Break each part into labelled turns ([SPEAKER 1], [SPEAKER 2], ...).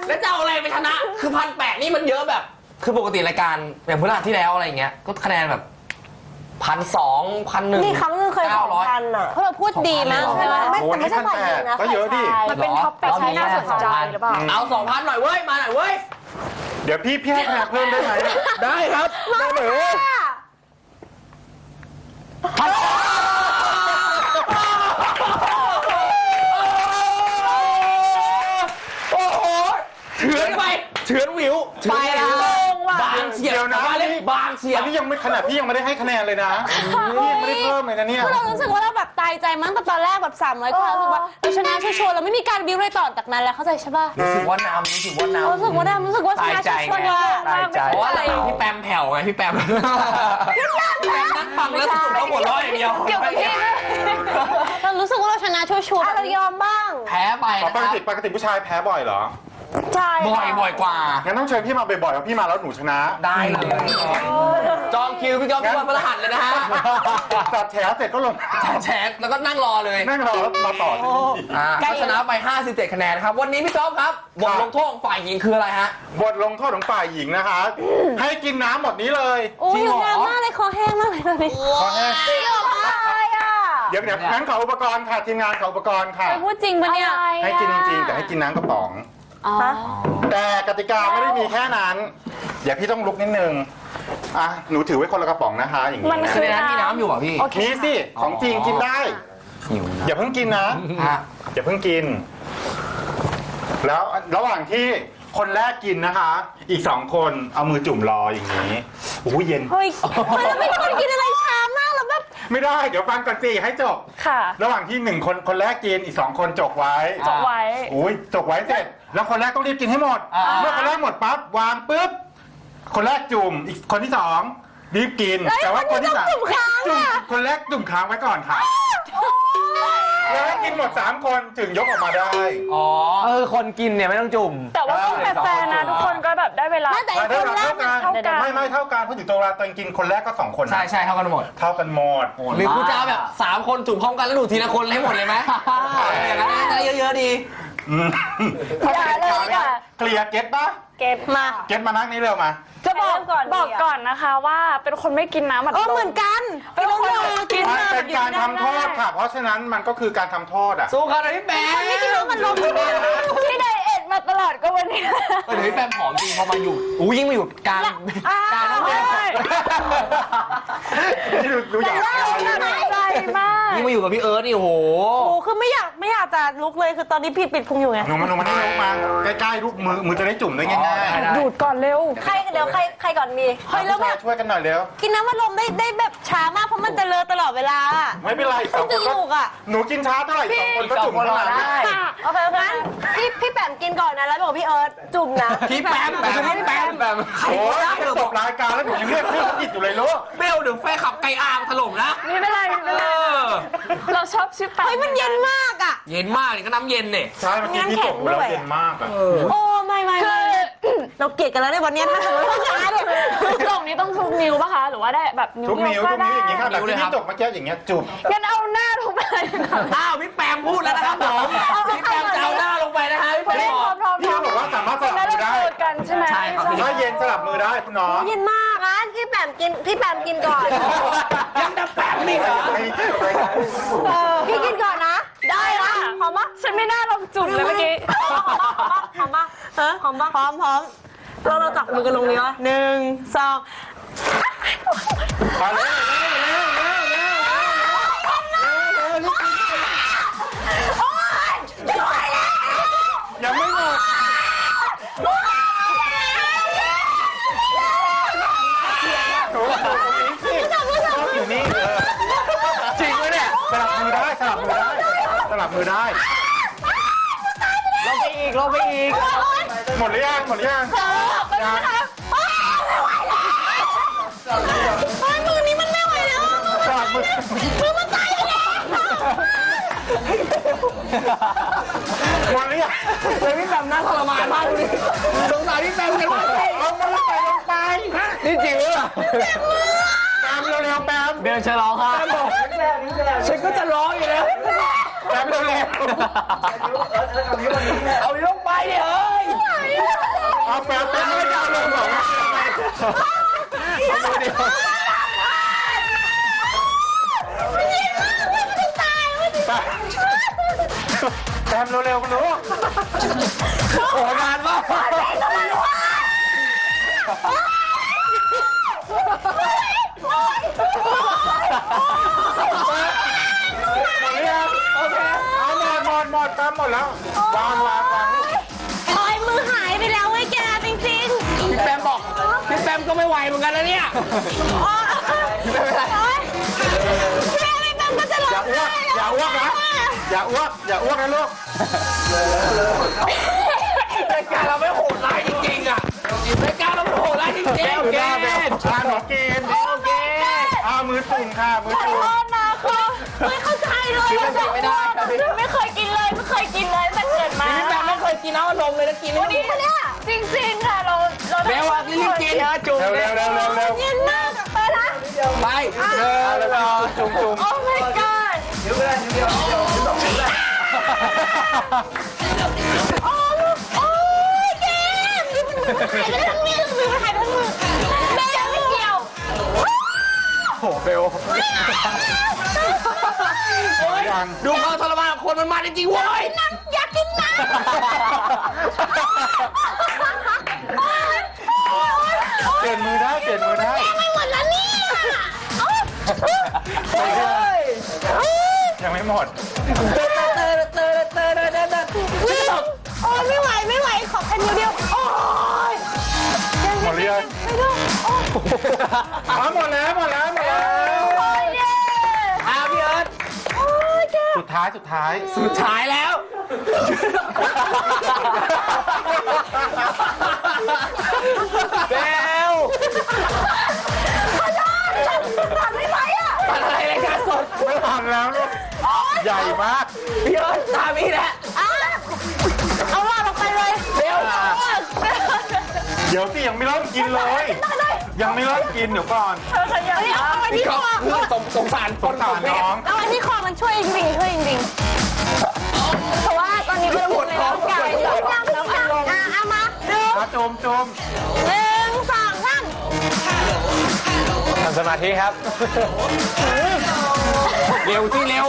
[SPEAKER 1] แล้วจะเอาอะไรไปชนะคือ1,800นี่มันเยอะแบบคือปกติรายการอย่างพฤหัสที่แล้วอะไรเงี้ยก็คะแนนแบบ1,200 1,100
[SPEAKER 2] มีครั้งนึงเคย2,000อ่ะเพราะเราพูดดีมากใช่ไหมแต่ไม่ใช่ฝ่ายหญิงนะก็เยอะดิ
[SPEAKER 3] มันเป็นท็อปเป็กที่น่าสนใจหรือเปล่า
[SPEAKER 1] เอา 2,000 หน่อยเว้ยมาหน่อยเว้ย
[SPEAKER 4] เดี๋ยวพี่ให้คะแนนเพิ่มได้ไหม
[SPEAKER 1] ได้ครับได้เลยโอ้โหเฉือนไปเฉือนวิวไปแล้วบางเฉียวนะบางเฉียว
[SPEAKER 4] อันนี้ยังไม่ขนาดพี่ยังไม่ได้ให้คะแนนเลยนะพี่ยังไม่ได้เพิ่มเลยนะเนี่ย
[SPEAKER 2] เรารู้สึกว่าเราแบบตายใจมั้งแต่ตอนแรกแบบ300 กว่ารู้สึกว่าเราชนะชัวร์เราไม่มีการบิ้วอะไรต่อจากนั้นแล้วเข้าใจใช่ป่ะ
[SPEAKER 1] รู้สึกว่านำรู้สึกว่า
[SPEAKER 2] ชนะชัวร์
[SPEAKER 1] เพราะว่าอะไรพี่แปมแผ่วไงพี่แปมนั่งฟังแล้วสนุกแล้วหัวเราะอย่างเดียว
[SPEAKER 2] เกี่ยวกับพี่เรารู้สึกว่าเราชนะชัวร์เรายอมบ้าง
[SPEAKER 1] แพ้ไป
[SPEAKER 4] ปกติผู้ชายแพ้บ่อยเหรอ
[SPEAKER 2] ใช่
[SPEAKER 1] บ่อยกว่า
[SPEAKER 4] งั้นต้องเชิญพี่มาบ่อยๆเพราะพี่มาแล้วหนูชนะ
[SPEAKER 1] ได้เลยจองคิวพี่ก๊อฟทุกวันพฤหัสเลยนะฮะ
[SPEAKER 4] ตัดแฉเสร็จก็ลง
[SPEAKER 1] แฉแล้วก็นั่งรอเลย
[SPEAKER 4] นั่งรอแล้วมาต่อ
[SPEAKER 1] ก็ชนะไป57 คะแนนครับวันนี้พี่ก๊อฟครับบทลงโทษฝ่ายหญิงคืออะไรฮะ
[SPEAKER 4] บทลงโทษของฝ่ายหญิงนะคะให้กินน้ำหมดนี้เลย
[SPEAKER 2] จริงเหรอมากเลยคอแห้งมากเลยตอนนี้
[SPEAKER 4] คอแห้ง
[SPEAKER 2] จริงเหรอ
[SPEAKER 4] เดี๋ยวงั้นขออุปกรณ์ค่ะทีมงานขออุปกรณ์ค่ะ
[SPEAKER 2] พูดจริงปะเนี่ย
[SPEAKER 4] ให้กินจริงๆแต่ให้กินน้ำกระป๋องแต่กติกาไม่ได้มีแค่นั้นเดี๋ยวพี่ต้องลุกนิดนึงหนูถือไว้คนละกระป๋องนะคะอย่างนี้
[SPEAKER 1] นะในนั้นมีน้ำอยู่เหรอพี่
[SPEAKER 4] มีสิของจริงกินได้อย่าเพิ่งกินนะอย่าเพิ่งกินแล้วระหว่างที่คนแรกกินนะคะอีก2 คนเอามือจุ่มรออย่างนี้โอ้ยเย็น
[SPEAKER 2] เฮ้ยเราเป็นคนกินอะไรช้ามากแล้วแบบ
[SPEAKER 4] ไม่ได้เดี๋ยวฟังก่อนสิให้จบ
[SPEAKER 3] ค่ะ
[SPEAKER 4] ระหว่างที่คนแรกกินอีก2 คนจกไว้อุ้ยจกไว้เสร็จแล้วคนแรกต้องรีบกินให้หมดเมื่อคนแรกหมดปั๊บวางปุ๊บคนแรกจุ่มอีกคนที่2รีบกินแต่ว่าคนที่3จุ่มคนแรกจุ่มค้างไว้ก่อนค่ะแล้วให้กินหมด3 คนถึงยกออกมาได้
[SPEAKER 1] คนกินเนี่ยไม่ต้องจุ่ม
[SPEAKER 3] แต่ว่าต้องแฟร์นะทุกคนก็แบบได้เวลา
[SPEAKER 2] แต่คนแรก
[SPEAKER 4] ไม่เท่ากันเพราะถึงตัวเวลาตอนกินคนแรกก็2 คน
[SPEAKER 1] ใช่เท่ากันหมดหรือคุณจะแบบ3 คนจุ่มพร้อมกันแล้วดูทีละคนให้หมดเลยไหมอย่างนั้นจะเยอะๆดี
[SPEAKER 4] เคลียร์เก็ตปะ
[SPEAKER 3] เก็ต
[SPEAKER 4] มานั่งนี่เร็วมา
[SPEAKER 3] จะบอกก่อนนะคะว่าเป็นคนไม่กินน้ำอัดลม
[SPEAKER 2] เหมือนกัน
[SPEAKER 3] เป็นคนกิน
[SPEAKER 4] เป็นการทำโทษค่ะเพราะฉะนั้นมันก็คือการทำโทษ
[SPEAKER 1] สู้กันเลยพี่แปม
[SPEAKER 2] ไม่กินน้ำอัดลม
[SPEAKER 3] ที่ไดเอทมาตลอดก็วันนี้
[SPEAKER 1] เดี๋ยวพี่แปมผอมจริงพอมาอยู่ยิ่งมาอยู่กลางนั่นเอง
[SPEAKER 4] นี่ดูอยาก
[SPEAKER 3] ใจมาก
[SPEAKER 1] ยิ่งมาอยู่กับพี่เอิร์ธนี่โอ้โห
[SPEAKER 2] คือไม่อยากจะลุกเลยคือตอนนี้ปิดพุงอยู่ไง
[SPEAKER 4] หนูมานี่ลุกมาใกล้ๆลูกมือจะได้จุ่มได้ง่าย
[SPEAKER 3] ๆดูดก่อนเร็ว
[SPEAKER 2] ใครก่อนมี
[SPEAKER 4] เฮ้ยแล้วช่วยกันหน่อยเร็ว
[SPEAKER 2] กินน้ำอัดลมได้แบบช้ามากเพราะมันจะเลอะตลอดเวลา
[SPEAKER 4] ไม่เป็นไร2 คนก็หนูกินช้าเท่าไหร่2 คนก็จุ่มเท่านั้น
[SPEAKER 2] โอเคงั้นพี่แปมกินก่อนนะแล้วบอกพี่เอิร์ธจุ่มนะ
[SPEAKER 1] พี่แปม
[SPEAKER 4] โอ้ยจบรายการแล้วหนูยังเรียกพี่ผิดอยู่เลยลูก
[SPEAKER 1] เบลเดี๋ยวแฟขับไก่อาร์มถล่มนะ
[SPEAKER 3] ไม่เป็นไรเราชอบชื่อแปม
[SPEAKER 2] มันเย็นมากอ่ะ
[SPEAKER 1] เย็นมากนี่ก็น้ำเย็นเนี่ย
[SPEAKER 4] ใช่เมื่อกี้พี่จบแล้วเย็นมากอ่ะ
[SPEAKER 2] โอ้ไม่เราเกลียดกันแล้วในวันนี้ถ้าสมมติว่าช้าเนี่ย
[SPEAKER 3] กล่องนี้ต้องทุกนิ้วป่ะคะหรือว่าได้แบบ
[SPEAKER 4] นิ้วทุกนิ้วอย่างนี้ค่ะแบบที่จบเมื่อกี้อย่างเงี้ยจุ่ม
[SPEAKER 3] งั้นเอาหน้าลงไป
[SPEAKER 1] พี่แปมพูดแล้วนะครับผมพี่แปมจะเอาหน้าลงไปนะฮะพี่แปม
[SPEAKER 4] พี่บอกว่าสามารถสลับมือได้
[SPEAKER 3] ใช่ไหม
[SPEAKER 1] ใช่ครับ
[SPEAKER 4] ถ้าเย็นสลับมือได้คุณน้อง
[SPEAKER 2] เย็นมากงั้นพี่แปมกินก่อน
[SPEAKER 1] ยังจะแปมนี่เหรอ
[SPEAKER 2] พี่กินก่อนนะได้ละหอมปะ
[SPEAKER 3] ฉันไม่น่าลงจุ่มเลยเมื่อกี้
[SPEAKER 2] หอมปะพร้อมเราจับมือกันลงนี้วะ1 2
[SPEAKER 4] มาเลยยังไม่หมดอยู่นี่
[SPEAKER 1] จริงไหมเนี่ย
[SPEAKER 4] สลับมือได้
[SPEAKER 1] ลงไปอีก
[SPEAKER 4] หมดหรือยัง
[SPEAKER 2] มือนี้มันไม่ไหวแล้วมือมันตายแล้ว
[SPEAKER 4] หมดหรือยัง
[SPEAKER 1] เลยพี่แปมน่าทรมานมากเลยสงสารพี่แปมกันมาก
[SPEAKER 4] เอามันลงไป
[SPEAKER 1] นี่จริงหรือเปล่า
[SPEAKER 4] แปมเร็วๆแปม
[SPEAKER 1] เบลจะร้องค่ะฉันก็จะร้องอยู่แล้ว
[SPEAKER 4] แปมเร็ว
[SPEAKER 1] เอาลงไปดิเฮ้ย
[SPEAKER 4] เอาแป๊บไม่ได้เอาลงหรอก
[SPEAKER 1] เอามือเดียว
[SPEAKER 4] แต้มเร็วๆคุณลูก
[SPEAKER 1] โอ้นานมาก
[SPEAKER 4] หมดหรือยังโอเคเอาหมดแต้มหมดแล้ววาง
[SPEAKER 2] โอ้ยมือหายไปแล้วเว้ยแกจริง
[SPEAKER 1] พี่แปมบอกพี่แปมก็ไม่ไหวเหมือนกันนะเนี่ย
[SPEAKER 2] ๆโอ้ยแม่ไม่ต้องก็จะร้องไห้
[SPEAKER 4] อย่าอ้วกนะอย่าอ้วกนะลูก
[SPEAKER 1] รายการเราไม่โหดร้ายจริงๆอ่ะรายการเราไม่โหดร้ายจริงๆ
[SPEAKER 4] แก้วหน้าแบบหนูกิน
[SPEAKER 1] โอเค
[SPEAKER 4] มือตุ่มค่ะมือ
[SPEAKER 2] ขอ
[SPEAKER 4] ตุ่ม
[SPEAKER 2] โทษนะคือไม่เข้าใจเลย
[SPEAKER 1] คือมันไม่ได้ครับพี่
[SPEAKER 3] ไม่เคยกินเลยตั้งแต่เกิดมา
[SPEAKER 1] พี่แปมไม่เคยกินน้ำอัดลมเลยนะกินไม่
[SPEAKER 3] นี่
[SPEAKER 1] ได้
[SPEAKER 3] เนี่ยจริงๆค่ะเรา
[SPEAKER 1] เร็วอ่ะรีบกินนะจุ่ม
[SPEAKER 4] เร็ว
[SPEAKER 2] เย็นมากไปละ
[SPEAKER 1] ไปเดินรอ
[SPEAKER 4] จุ่ม
[SPEAKER 3] โอ้ my god
[SPEAKER 2] โอ้ยแกมือมันหายไปทั้งมือแม่ยังไม่เกี่ยว
[SPEAKER 4] โหเบลยัง
[SPEAKER 1] ดูความทรมานของคนมันมาจริงๆเว้ย
[SPEAKER 2] อยากกินน้ำ
[SPEAKER 4] เปลี่ยนมือได้
[SPEAKER 2] ไม่หมดแล้วเนี่ย
[SPEAKER 4] ยังไม่หมด
[SPEAKER 2] โอ้ยไม่ไหวขอแค่นิ้วเดียวโอ้ย
[SPEAKER 4] หมดหรือยัง
[SPEAKER 2] ไม่ได้โอ้ย
[SPEAKER 4] หมดแล้ว
[SPEAKER 2] โอ้ยเย้
[SPEAKER 1] พี่เอิร์ธ
[SPEAKER 2] โอ้ยแก
[SPEAKER 4] สุดท้าย
[SPEAKER 1] สุดท้ายแล้วเบล
[SPEAKER 2] ตัดไม่ไหวอ่ะ
[SPEAKER 1] ปัดอะไรรายการสด
[SPEAKER 4] ไม่ทันแล้วลูกใหญ่มาก
[SPEAKER 1] พี่เอิร์ธตามพี่แหละ
[SPEAKER 2] เอาว่าลงไปเลย
[SPEAKER 1] เร็ว
[SPEAKER 4] เดี๋ยวสิยังไม่เริ่มกินเลย ยังไม่เริ่มกินเดี๋ยวก่อน
[SPEAKER 2] เอาไว้
[SPEAKER 1] พี่
[SPEAKER 2] ที่
[SPEAKER 1] ก็
[SPEAKER 2] คอ
[SPEAKER 1] สงสารคน
[SPEAKER 4] สงสารน้อง
[SPEAKER 2] เอาไว้ที่คอมันช่วยจริงเพราะว่าตอนนี้มันปวดท้องกายแล้วอารมณ์เอามาดู
[SPEAKER 4] จุ่ม
[SPEAKER 2] 1 2 3
[SPEAKER 1] ทำสมาธิครับ เร็วที่เร็ว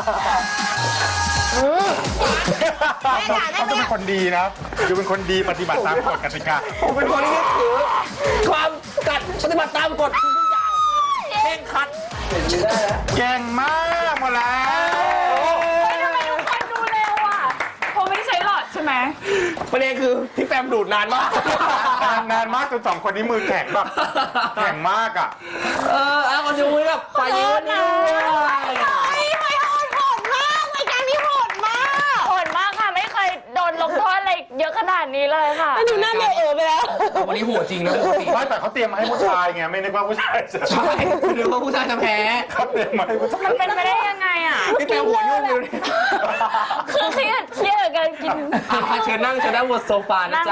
[SPEAKER 4] เขาจะเป็นคนดีนะดูเป็นคนดีปฏิบัติตามกฎกติกา
[SPEAKER 1] ผมเป็นคนที่ถือความกัดปฏิบัติตามกฎทุกอย่างเร่งครัด
[SPEAKER 4] เก่งมากหมดแล้ว
[SPEAKER 3] ทำไมทุกคนดูเร็วอ่ะเพราะไม่ได้ใช้หลอดใช่ไหม
[SPEAKER 1] ประเด็นคือพี่แปมดูดนานมาก
[SPEAKER 4] นานมากจน2 คนนี้มือแข็งแบบแข็งมากอ่ะ
[SPEAKER 1] เอาคนดูแบบฝ่ายยืนนี่
[SPEAKER 2] ไม่โหดมากรายการนี้โหดมาก
[SPEAKER 3] โหดมากค่ะไม่เคยโดนลงโทษอะไรเยอะขนาดนี้เลยค่ะ
[SPEAKER 2] ดูหน้าเบลไปแล้ว
[SPEAKER 1] วันนี้โหดจริงนะปกติ
[SPEAKER 4] ไม่แต่เขาเตรียมมาให้ผู้ชายไงไม่นึกว่าผู้ชายจะ
[SPEAKER 1] ใช่หรือว่าผู้ชายจะแพ้
[SPEAKER 4] เขาเตรียมมาให้ผู้ชาย
[SPEAKER 3] มันเป็นไปได้ยังไงอ่ะ
[SPEAKER 1] พี่แปมหัวยุ่งอยู่เนี่ย
[SPEAKER 3] คือเครียดกับการกิน
[SPEAKER 1] เชิญนั่งบนโซฟานะจ๊ะ